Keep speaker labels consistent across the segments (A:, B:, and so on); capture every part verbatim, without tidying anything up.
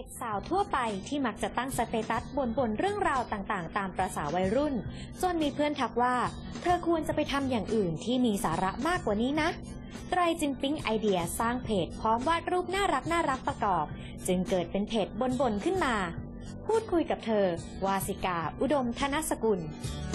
A: ด็กสาวทั่วไปที่มักจะตั้งสเตตัสบ่นๆเรื่องราวต่างๆตามประสาวัยรุ่นจนมีเพื่อนทักว่าเธอควรจะไปทำอย่างอื่นที่มีสาระมากกว่านี้นะไตรจึงปิ๊งไอเดียสร้างเพจพร้อมวาดรูปน่ารักน่ารักประกอบจึงเกิดเป็นเพจบ่นๆขึ้นมาพูดคุยกับเธอวาสิกาอุดมธนสกุล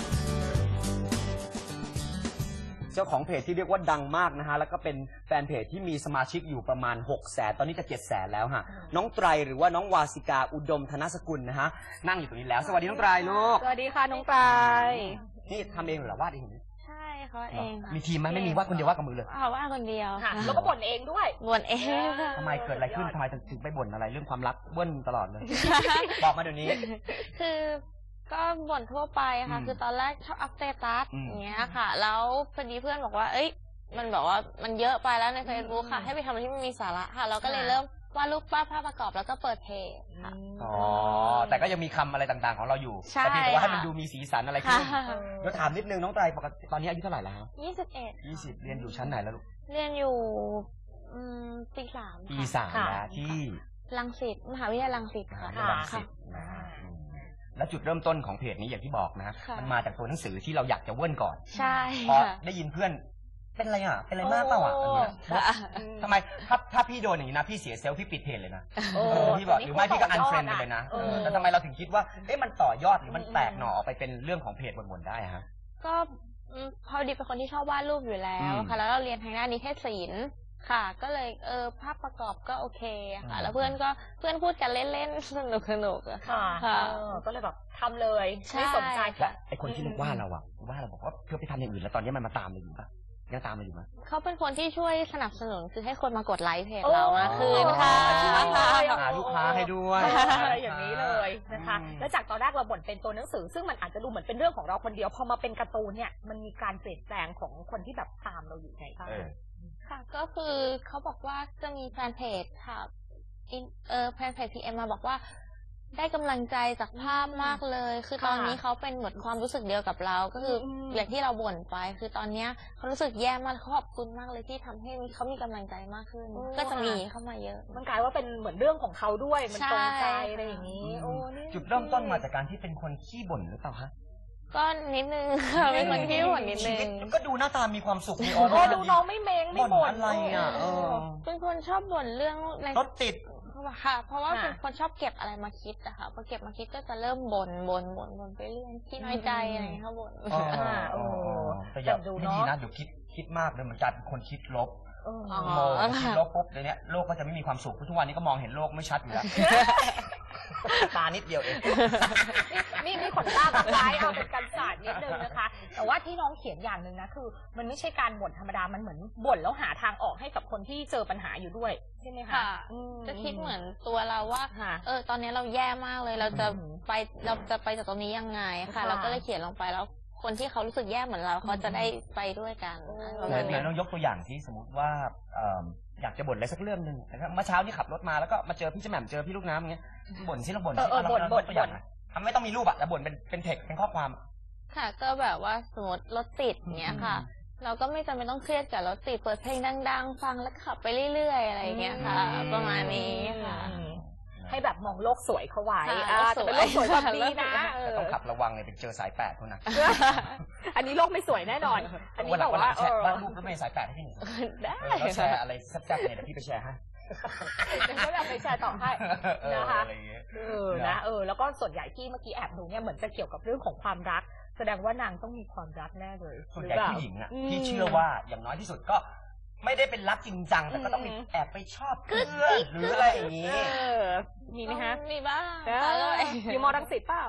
B: เจ้าของเพจที่เรียกว่าดังมากนะฮะแล้วก็เป็นแฟนเพจที่มีสมาชิกอยู่ประมาณหกแสนตอนนี้จะเจ็ดแสนแล้วฮะน้องไตรหรือว่าน้องวาสิกาอุดมธนสกุลนะฮะนั่งอยู่ตรงนี้แล้วสวัสดีน้องไตรลูก
C: สวัสดีค่ะน้องไตร
B: นี่ทำเองหรือวาดเอง
C: ใช่เขาเอง
B: มีทีมไหมไม่มีวาดคนเดียววาดกับมือเลย
C: เขาวาดคนเดียว
D: ค่ะแล้วก็บ่นเองด้วย
C: บ่นเอง
B: ทำไมเกิดอะไรขึ้นทำไมถึงไปบ่นอะไรเรื่องความรักเบิ้ลตลอดเลยบอกมาเดี๋ยวนี้
C: คือก็บ่นทั่วไปค่ะคือตอนแรกชอบอัพสเตตัสอย่างเงี้ยค่ะแล้วพอดีเพื่อนบอกว่าเอ้ยมันบอกว่ามันเยอะไปแล้วใน Facebook ค่ะให้ไปทำอะไรที่มันมีสาระค่ะเราก็เลยเริ่มวาดรูปวาดภาพประกอบแล้วก็เปิดเพจค่ะ
B: อ๋อแต่ก็ยังมีคำอะไรต่างๆของเราอยู่แต่เพียงแต่ว่าให้มันดูมีสีสันอะไรขึ้นเดี๋ยวถามนิดนึงน้องไตรปกติตอนนี้อายุเท่าไหร่แล้ว
C: ยี่สิบเอ็ด
B: ยี่สิบเรียนอยู่ชั้นไหนแล้วลูก
C: เรียนอยู่ปีสาม
B: ปีสามนะที่
C: รังสิตมหาวิทยาลัยรังสิตค่ะ
B: รังสิตนะแล้วจุดเริ่มต้นของเพจนี้อย่างที่บอกนะมันมาจากตัวหนังสือที่เราอยากจะเวิ้นก่อน
C: ใช่
B: พอได้ยินเพื่อนเป็นอะไรอ่ะเป็นอะไรมากเปล่าอ่ะอย่างเงี้ยทำไมถ้าถ้าพี่โดนอย่างนี้นะพี่เสียเซลล์พี่ปิดเพจเลยนะพี่บอกหรือไม่พี่ก็อันเฟรนด์ไปเลยนะแต่ทำไมเราถึงคิดว่าเอ๊ะมันต่อยอดหรือมันแตกหน่อออกไปเป็นเรื่องของเพจบนๆได้ฮะ
C: ก็พอดีเป็นคนที่ชอบวาดรูปอยู่แล้วค่ะแล้วเราเรียนทางด้านนิเทศศิลป์ค่ะก็เลยเออภาพประกอบก็โอเคค่ะแล้วเพื่อนก็เพื่อนพูดกันเล่นๆสนุกสนุก
D: ค่ะก็เลยแบบทำเลยไม่สนใจ
B: แล้วไอ้คนที่ว่าเราอะว่าเราบอกว่าเพื่อไปทำอย่างอื่นแล้วตอนนี้มันมาตามเราอยู่ปะยังตามมาอยู่ไหม
C: เขาเป็นคนที่ช่วยสนับสนุนคือให้คนมากดไลค์เพจเรามากขึ้นค่ะ
B: หาลูกค้าให้ด้วย
D: อะไรอย่างนี้เลยนะคะแล้วจากตอนแรกเราบ่นเป็นตัวหนังสือซึ่งมันอาจจะดูเหมือนเป็นเรื่องของเราคนเดียวพอมาเป็นการ์ตูนเนี่ยมันมีการเปลี่ยนแปลงของคนที่แบบตามเราอยู่ไงบ้าง
C: ค่ะก็คือเขาบอกว่าจะมีแฟนเพจค่ะเออแฟนเพจพีเอ็มมาบอกว่าได้กำลังใจจากภาพมากเลยคือตอนนี้เขาเป็นเหมือนความรู้สึกเดียวกับเราก็คืออย่างที่เราบ่นไปคือตอนนี้เขารู้สึกแย่มากขอบคุณมากเลยที่ทำให้เขามีกำลังใจมากขึ้นก็จะมีเข้ามาเยอะ
D: มันกลายว่าเป็นเหมือนเรื่องของเขาด้วยมันตรงใจอะไรอย่างนี้
B: จุดเริ่มต้นมาจากการที่เป็นคนขี้บ่นหรือเปล่าคะ
C: ก็นิดนึงค่ะเป็นคนขี้บ่นนิดนึง
B: ก็ดูหน้าตามีความสุขมีอ
D: อร่าดูน้องไม่เมงไม่บ่น
B: อะไรอ่ะ
C: เป็นคนชอบบ่นเรื่อง
B: รถติด
C: ค่ะเพราะว่าเป็นคนชอบเก็บอะไรมาคิดอะค่ะพอเก็บมาคิดก็จะเริ่มบ่นบ่นบ่นบ่นไปเรื่อยขี้น้อยใจอะไรอย่างเงี้ยค่ะบ่น
B: โอ้แต่อย่าไม่ดีนะเดี๋ยวคิดคิดมากเลยมันกลายเป็นคนคิดลบโมคิดลบปุ๊บเดี๋ยวนี้โลกก็จะไม่มีความสุขทุกวันนี้ก็มองเห็นโลกไม่ชัดอยู่แล้วตานิดเดียวเอง
D: มีมีขนตาแบบร้ายเอาเป็นการศาสตร์นิดนึงนะคะแต่ว่าที่น้องเขียนอย่างหนึ่งนะคือมันไม่ใช่การบ่นธรรมดามันเหมือนบ่นแล้วหาทางออกให้กับคนที่เจอปัญหาอยู่ด้วยใช่ไหมคะ
C: จะคิดเหมือนตัวเราว่าเออตอนนี้เราแย่มากเลยเราจะไปเราจะไปจากตรงนี้ยังไงค่ะเราก็เลยเขียนลงไปแล้วคนที่เขารู้สึกแย่เหมือนเราเขาจะได้ไปด้วยกัน
B: ไหนลองยกตัวอย่างที่สมมติว่าอยากจะบ่นอะไรสักเรื่องหนึ่งนะครับเมื่อเช้านี่ขับรถมาแล้วก็มาเจอพี่แหม่มเจอพี่ลูกน้ำอย่างเงี้ยบ่นสิเราบ่นสิเราบ่นบ่นบ่นทำไม่ต้องมีรูปอะแต่บ่นเป็นเป็นเทคเป็นข้อความ
C: ค่ะก็แบบว่าสมมติรถติดเงี้ยค่ะเราก็ไม่จำเป็นต้องเครียดกับรถติดเปิดเพลงดังๆฟังแล้วขับไปเรื่อยๆอะไรเงี้ยค่ะประมาณนี้ค่ะ
D: ให้แบบมองโลกสวยเขาไว้จะเป็นโลกสวยแบบนี้นะ
B: ต้องขับระวังเลยไปเจอสายแปดเท่านั้น
D: อันนี้โลกไม่สวยแน่นอนอันนี้บอกว่า
B: บ้านลูกก็ไม่สายแปดให้พี่หนึ่งได้แชร์อะไรแซ่บๆเนี่ยเดี๋ยวพี่ไปแชร์ให้
D: เดี๋ยวก็แบบไปแชร์ต่อให้นะคะเออนะเออแล้วก็ส่วนใหญ่ที่เมื่อกี้แอบดูเนี่ยเหมือนจะเกี่ยวกับเรื่องของความรักแสดงว่านางต้องมีความรักแน่เลย
B: ส่วนใหญ่ผู้หญิงอ่ะที่เชื่อว่าอย่างน้อยที่สุดก็ไม่ได้เป็นรักจริงจังแต่ก็ต้องมีแอบไปชอบเพื่อนหรืออะไรอย่างนี้
D: มีไหมฮะ
C: มีบ้าง
D: อยู่มอรังสิตเปล่า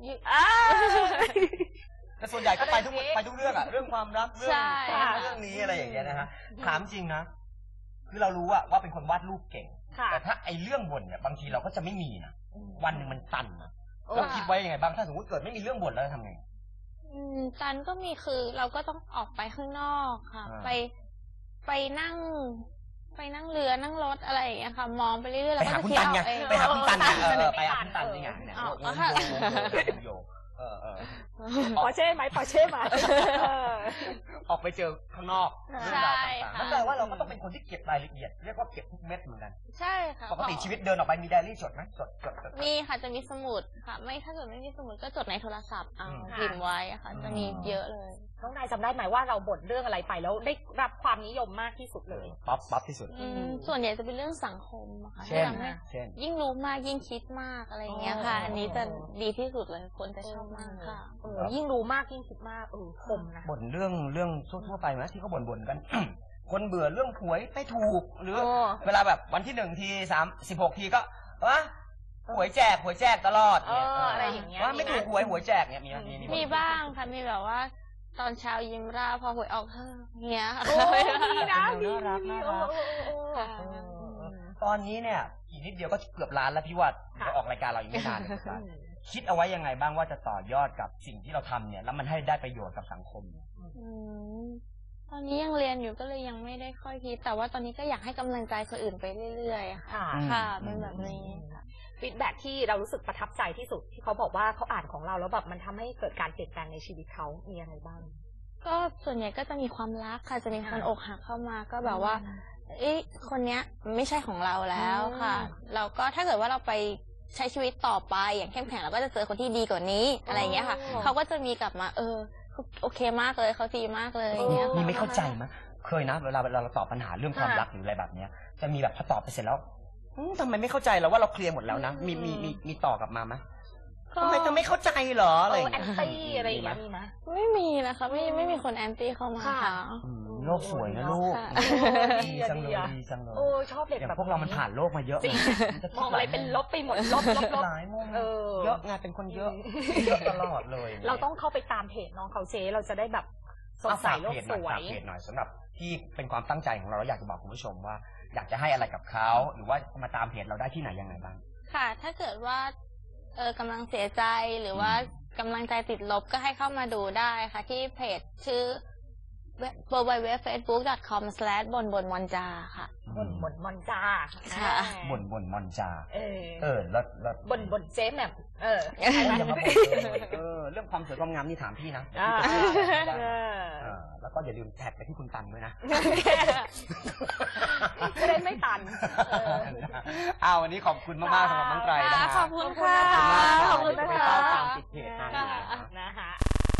B: แต่ส่วนใหญ่ก็ไปทุกไปทุกเรื่องอะเรื่องความรักเรื่องเรื่องนี้อะไรอย่างเงี้ยนะฮะถามจริงนะคือเรารู้ว่าเป็นคนวาดรูปเก่งแต่ถ้าไอ้เรื่องบ่นเนี่ยบางทีเราก็จะไม่มีนะวันหนึ่งมันตันนะแล้วคิดไว้ยังไงบ้างถ้าสมมติเกิดไม่มีเรื่องบ่นแล้วทำไง
C: ตันก็มีคือเราก็ต้องออกไปข้างนอกค่ะไปไปนั่งไปนั่งเรือนั่งรถอะไรอย่างเงี้ยค่ะมองไปเรื่อยๆแล้วก็จะคิดเอาเอง
B: ไปหาคุณตันไงไปหาคุณตันนี่ไงเนี่ยโยเออเออ
D: ปอร์เช่ไหมปอร์เช่ไหมเออ
B: ออกไปเจอข้างนอกเรื่องราวต่างๆนั่นแปลว่าเราก็ต้องเป็นคนที่เก็บรายละเอียดเรียกว่าเก็บทุกเม็ดเหมือนกัน
C: ใช่ค่ะ
B: ปกติชีวิตเดินออกไปมีไดอารี่จดไหมจดจดจด
C: มีค่ะจะมีสมุดค่ะ ไม่ถ้าเกิดไม่มีสมุดก็จดในโทรศัพท์เอา
B: อืม
C: พิมพ์ไว้ค่ะ จะมีเยอะเลย
D: น้องนายจำได้ไหมว่าเราบ่นเรื่องอะไรไปแล้วได้รับความนิยมมากที่สุดเลย
B: ป๊อปป๊อปที่สุด
C: อืมส่วนใหญ่จะเป็นเรื่องสังคมอะค่ะ
B: เช่น
C: ที่ทำให้
B: เช่น
C: ยิ่งรู้มากยิ่งคิดมากอะไรอย่างเงี้ยค่ะ
D: อ๋ออั
C: อันนี้จะดีที่สุดเลยคนจะชอบมากค่ะ
D: เออยิ่งรู้มากยิ่งคิดมากเออคมนะ
B: บ่นเรื่องเรื่องทั่วๆไปไหมที่เขาบ่นๆกัน คนเบื่อเรื่องหวยไม่ถูกหรือ
D: โอ้
B: เวลาแบบวันที่หนึ่งทีสามสิบหกทีก็วะหวยแจกหวยแจกตลอดเนี่ย
D: เอออะไรอย่างเงี้ย
B: ว่าไม่
D: มีไหม
B: ถูกหวยหวยแจกเนี่ยมีไหมมี
C: มีบ้างค่ะมีแบบว่า ตอนเช้ายิ้มร่าพอหวยออกเฮ้อเงี้ยค่ะ
D: โอ้ดีนะดี
B: น่ารัก
D: ดี
B: น่ารัก
D: เออเออเออ
C: ค่ะ
D: เออเออ
B: ตอนนี้เนี่ยอีกนิดเดียวก็เกือบล้านแล้วพี่วัด
D: ค่ะ
B: เราออกรายการเราอีกไม่นานเลยครับคิดเอาไว้ยังไงบ้างว่าจะต่อยอดกับสิ่งที่เราทำเนี่ยแล้วมันให้ได้ประโยชน์กับสังคม
C: อืมตอนนี้ยังเรียนอยู่ก็เลยยังไม่ได้ค่อยคิด แต่ว่าตอนนี้ก็อยากให้กำลังใจคนอื่นไปเรื่อยๆค่ะ
D: ค่ะ
B: อืม
C: ค่ะเป็นแบบนี้
D: ฟีดแบ็กที่เรารู้สึกประทับใจที่สุดที่เขาบอกว่าเขาอ่านของเราแล้วแบบมันทำให้เกิดการเปลี่ยนแปลงในชีวิตเขามีอะไรบ้าง
C: ก็ส่วนใหญ่ก็จะมีความรักค่ะ จะมีคน
D: ค่ะ
C: อกหักเข้ามาก็แบบว่า เอ้ยคนเนี้ยไม่ใช่ของเราแล้วค่ะ
D: อืม
C: เราก็ถ้าเกิดว่าเราไปใช้ชีวิตต่อไปอย่างเข้มแข็งเราก็จะเจอคนที่ดีกว่านี้อะไรอย่างเงี้ยค่ะ
D: อ๋อ
C: เขาก็จะมีกลับมา เออโอเคมากเลยเขาดีมากเลยอย่างเงี้ย
B: มี
C: ค่ะ
B: ไม่เข้าใจมั้ยเคยนะเวลาเวลาเราตอบปัญหาเรื่องความ
D: ค่ะ
B: รักหรืออะไรแบบเนี้ยจะมีแบบพอตอบไปเสร็จแล้วอืมทำไมไม่เข้าใจเราว่าเราเคลียร์หมดแล้วนะมีมีมีมีต่อกลับมาไหม
C: ก็
B: ทำไมเธอไม่เข้าใจเหรออะไร
D: เอ
B: อ
D: อย่าง แอ
B: เงี้
D: น
B: ย
D: ตี้อะไรอย่างเงี้ยมีไหม
C: ไม่มีนะคะไม่ไม่มีคนแอนตี้เข้ามา
D: ค่ะ
C: ค่ะ
B: อืมโลกสวยนะลูก
C: ค่ะ
B: ดีจังเลยดีจังเลย
D: โอ้ชอบเด็ก
B: อย่าง
D: แบบ
B: พวกเรามันผ่านโลกมาเยอะ
D: จริง
B: มันจะ
D: มองอะไรเป็นลบไปหมดลบลบลบ
B: หลายมุม
D: เออ
B: เยอะไงเป็นคนเยอะเยอะตลอดเลย
D: เราต้องเข้าไปตามเพจน้องเขาเจเราจะได้แบบสด
B: เอา
D: ใส
B: ฝาก
D: โล
B: เพ
D: ก
B: จห
D: ส
B: น่อยว ฝาก
D: ย
B: เพจหน่อยสำหรับที่เป็นความตั้งใจของเราเราอยากจะบอกคุณผู้ชมว่า อยากจะให้อะไรกับเขาหรือว่ามาตามเพจเราได้ที่ไหนยังไงบ้าง
C: ค่ะ ถ้าเกิดว่าเออกำลังเสียใจหรือว่ากำลังใจติดลบก็ให้เข้ามาดูได้ค่ะ ที่เพจชื่อ ดับเบิลยู ดับเบิลยู ดับเบิลยู ดอท เฟซบุ๊ก ดอท คอม สแลช บนบนมอนจาค่ะ
D: บ่นบ่นมอนจา
C: ค่ะ
B: บ่นบ่นมอนจา
D: เออ
B: เออแล้วแล้ว
D: บ่นบ่นเจ๊แหม่มเออ
B: อย่ามาบ่นเลยเออเรื่องความสวยความงามนี่ถามพี่นะ
D: อ่า
B: พี่จะช่วยได้
D: เออ
B: เออแล้วก็อย่าลืมแท็กไปที่คุณตันด้วยนะ
D: จะได้ไม่ตันเออ
B: เอาวันนี้ขอบคุณมากๆสำหรับน้องไตรนะฮะ
C: ขอบคุณค่ะ
B: ขอบคุณมาก
D: ขอบคุณ
B: เดี๋ยว
D: นะ
B: จะไป
D: คะ
B: เฝ้าตามติดเพจนางอยู่นะ